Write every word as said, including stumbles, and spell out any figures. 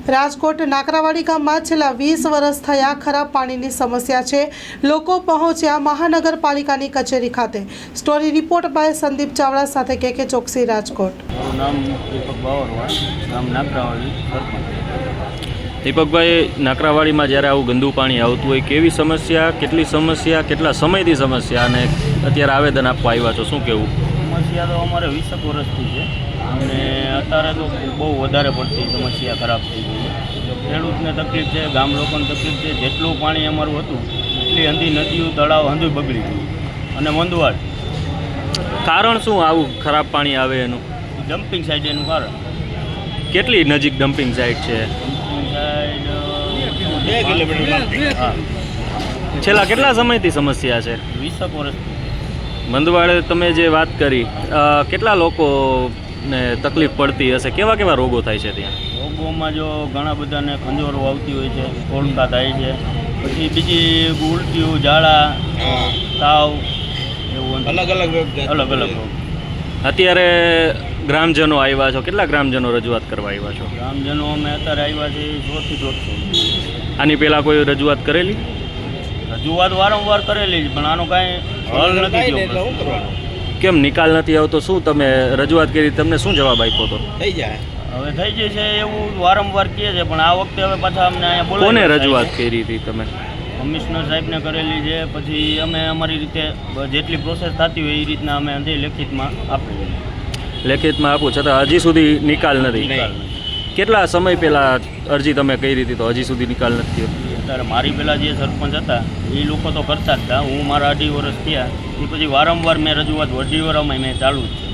રાજકોટ નાકરાવાડી ગામમાં છેલ્લા વીસ વર્ષ થયા ખરાબ પાણીની સમસ્યા છે। લોકો પહોંચ્યા મહાનગરપાલિકાની કચેરી ખાતે। Story report by Sandeep Chavda સાથે કે કે ચોકસી, રાજકોટ। મારું નામ દીપક બાવરવા, ગામ નાકરાવાડી, સરપંચ। દીપકભાઈ, નાકરાવાડીમાં જ્યારે આવું ગંદુ પાણી આવતું હોય, કેવી સમસ્યા, કેટલી સમસ્યા, કેટલા સમયથી સમસ્યા અને અત્યારે આવેદન આપવા આવ્યા છો, શું કહેવું? સમસ્યા તો અમારે વીસેક વર્ષથી છે અને અત્યારે તો બહુ વધારે પડતી સમસ્યા ખરાબ થઈ ગઈ છે। ખેડૂતને તકલીફ છે, ગામ લોકોને તકલીફ છે। જેટલું પાણી અમારું હતું એટલી અંધી નદીઓ, તળાવ અંધું બગડી ગયું અને મંદવાડ। કારણ શું આવું ખરાબ પાણી આવે એનું? ડમ્પિંગ સાઇડ એનું કારણ। કેટલી નજીક ડમ્પિંગ સાઇટ છે? ડમ્પિંગ સાઇડ બે કિલોમીટર। હા, છેલ્લા કેટલા સમયથી સમસ્યા છે? વીસેક વર્ષથી। મંદવાડે તમે જે વાત કરી, અ, કેટલા લોકોને તકલીફ પડતી હશે? કેવા કેવા રોગો થાય છે ત્યાં? રોગોમાં જો ઘણા બધાને ખંજોરો આવતી હોય છે, કોળકા થાય છે, પછી બીજી ઉલટીઓ, ઝાડા, તાવ, એવું અલગ અલગ અલગ અલગ રોગ। અત્યારે ગ્રામજનો આવ્યા છો, કેટલા ગ્રામજનો રજૂઆત કરવા આવ્યા છો? ગ્રામજનો અમે અત્યારે આવ્યા છીએ સોથી દોઢસો। આની પહેલાં કોઈ રજૂઆત કરેલી? રજૂઆત વારંવાર કરેલી છે પણ આનો કાંઈ હલ નથી થયો। કેમ નિકાલ નથી આવતો? શું તમે રજૂઆત કરી, તમને શું જવાબ આપ્યો હતો? થઈ જાય, હવે થઈ જશે એવું વારંવાર કહે છે પણ આ વખતે હવે પાછા અમને અહીંયા બોલાવી। કોને રજૂઆત કરી હતી તમે? કમિશનર સાહેબને કરેલી છે, પછી અમે અમારી રીતે જેટલી પ્રોસેસ થતી હોય એ રીતના અમે અંતે લેખિતમાં આપેલી। લેખિતમાં આપું છતાં હજી સુધી નિકાલ નથી? નિકાલ કેટલા સમય પહેલાં અરજી તમે કરી હતી તો હજી સુધી નિકાલ નથી થયો? અત્યારે મારી પહેલાં જે સરપંચ હતા એ લોકો તો કરતા જ હતા, હું મારા અઢી વર્ષ થયા એ પછી વારંવાર મેં રજૂઆત અઢી વર્ષમાં મેં ચાલુ જ છે।